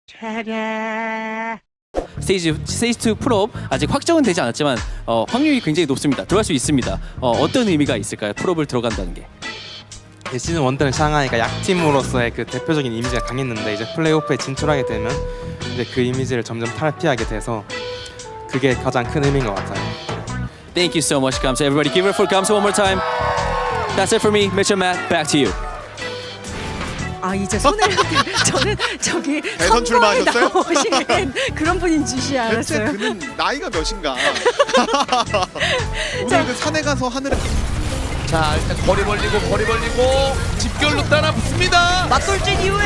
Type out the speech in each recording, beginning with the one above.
스테이지 2 풀업 아직 확정은 되지 않았지만 확률이 굉장히 높습니다. 들어갈 수 있습니다. 어떤 의미가 있을까요? 풀업을 들어간다는 게. 시즌 1 때는 샹하이가 약팀으로서의 그 대표적인 이미지가 강했는데 이제 플레이오프에 진출하게 되면 이제 그 이미지를 점점 탈피하게 돼서 그게 가장 큰 의미인 것 같아요. Thank you so much, Kamsa. Everybody, give it for Kamsa one more time. That's it for me, Mitch and Matt. Back to you. 아 이제 손을 저는 저기 대선 선거에 출마하셨어요? 나오시는 그런 분인 줄이 대체 알았어요. 그는 나이가 몇인가? 오늘 그 산에 가서 하늘에 자 일단 거리 벌리고 집결로 따라 붙습니다. 맞돌진 이후에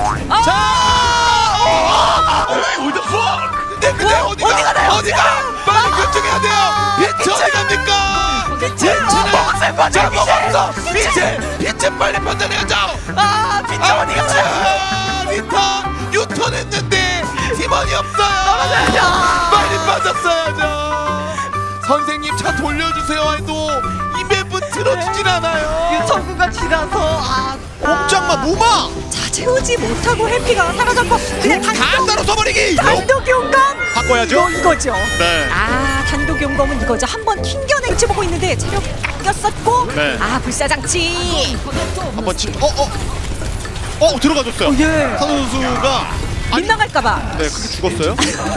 자! 올드 푸! 근데 어디가? 빨리 결정해야 돼요. 빛 어디 갑니까? 빛은 자 먹었어. 빛은 빨리 판단해야죠. 아 빛 어디 갔어? 리턴 유턴했는데 팀원이 없어요. 빨리 빠졌어야죠. 선생님 차 돌려주세요 해도 이 맵은 들어주진 않아요. 유턴구가 지나서 꼼짝마 무마! 자 채우지 못하고 해피가 사라졌고 그냥 다 따로 써버리기. 단독 용감 바꿔야죠? 이거죠. 네. 단독 용검은 이거죠. 한번 튕겨낼지 보고 있는데 체력 깎였었고 네. 불사장치 한번 들어가줬어요. 예. 산호 선수가 빗나갈까봐 네 크게 죽었어요.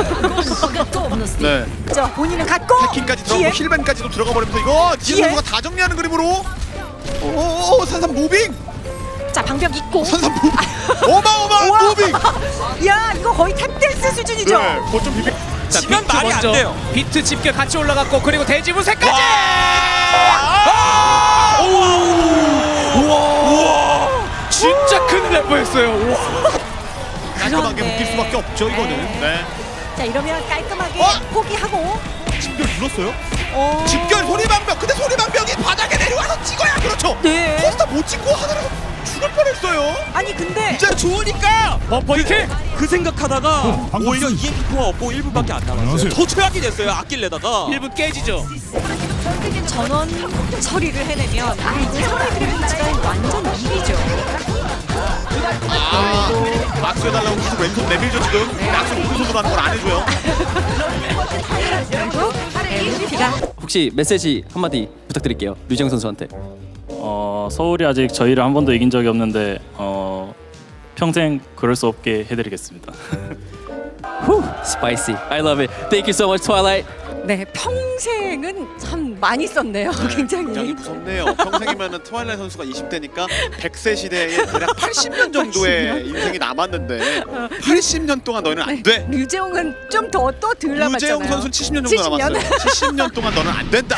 네. 저 본인은 갔고 해킹까지 뒤에 들어가고 힐벤까지도 들어가 버리면서 이거 뒤에? 지혜 선수가 다 정리하는 그림으로. 산삼 무빙. 자 방벽 있고 산삼 무빙. 어마어마한 우와. 무빙. 야 이거 거의 탭댄스 수준이죠. 네. 거점 비빙. 자, 비트 먼저 비트 집결 같이 올라갔고 그리고 대지분쇄까지. 우와. 진짜 큰 래퍼였어요. 깔끔하게 그런데. 묶일 수밖에 없죠 이거는. 네. 자 이러면 깔끔하게 포기하고 집결 눌렀어요? 어... 집결 소리방벽. 근데 소리방벽이 바닥에 내려와서 찍어야 그렇죠. 네. 포스터 못 찍고 하늘에서 죽을 뻔했어요. 아니 근데 진짜 좋으니까. 범퍼 이킬. 그 생각하다가 오히려 EMP4가 없고 1분밖에 안 남았어요. 더 최악이 됐어요. 아낄래다가 1분 깨지죠. 전원 처리를 해내면 이제 상대들의 위치가 완전 이기죠. 박수 해달라고 계속 왼손 내밀죠 지금. 박수 오른손으로 하는 걸 안 해줘요. 그리고 MVP가 혹시 메시지 한마디 부탁드릴게요. 류정 선수한테. 서울이 아직 저희를 한 번도 이긴 적이 없는데 평생 그럴 수 없게 해드리겠습니다. Spicy. I love it. Thank you so much, Twilight. 네 평생은 참 많이 썼네요. 굉장히 굉장히. 무섭네요. 평생이면은 트와일라이트 선수가 20대니까 100세 시대에 대략 80년 정도의 인생이 남았는데 80년 동안 너는 안 돼. 류재홍은 좀 더 또 덜 남았잖아요. 유재용 선수는 70년 정도 70년? 남았어요. 70년 동안 너는 안 된다.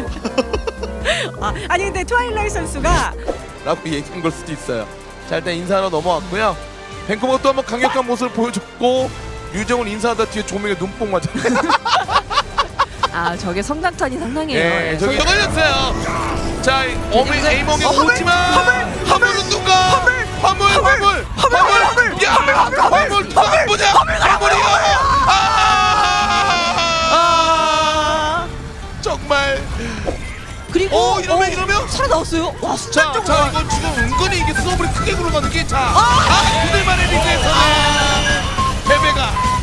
아니 근데 트와일라이트 선수가 라고 얘기한 걸 수도 있어요. 자 일단 인사하러 넘어왔고요. 밴쿠버가 또 한번 강력한 모습을 보여줬고 류정훈 인사하다 뒤에 조명에 눈뽕 맞았네. 저게 성장턴이 상당해요. 예, 저기 걸렸어요. 자, 에이몽이 오지만 화물은 누가? 화물. 야, 화물 누가 보자. 화물이요. 정말. 그리고 이러면 살아나왔어요. 와 자, 이건 지금 은근히 이게 수업을 크게 굴러가는 게 그들만의 리그에서는 패배가.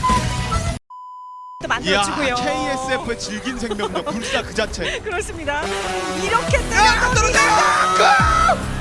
만들어주고요. KSF의 질긴 생명력 불사 그 자체. 그렇습니다. 이렇게 때려도 떨어져요.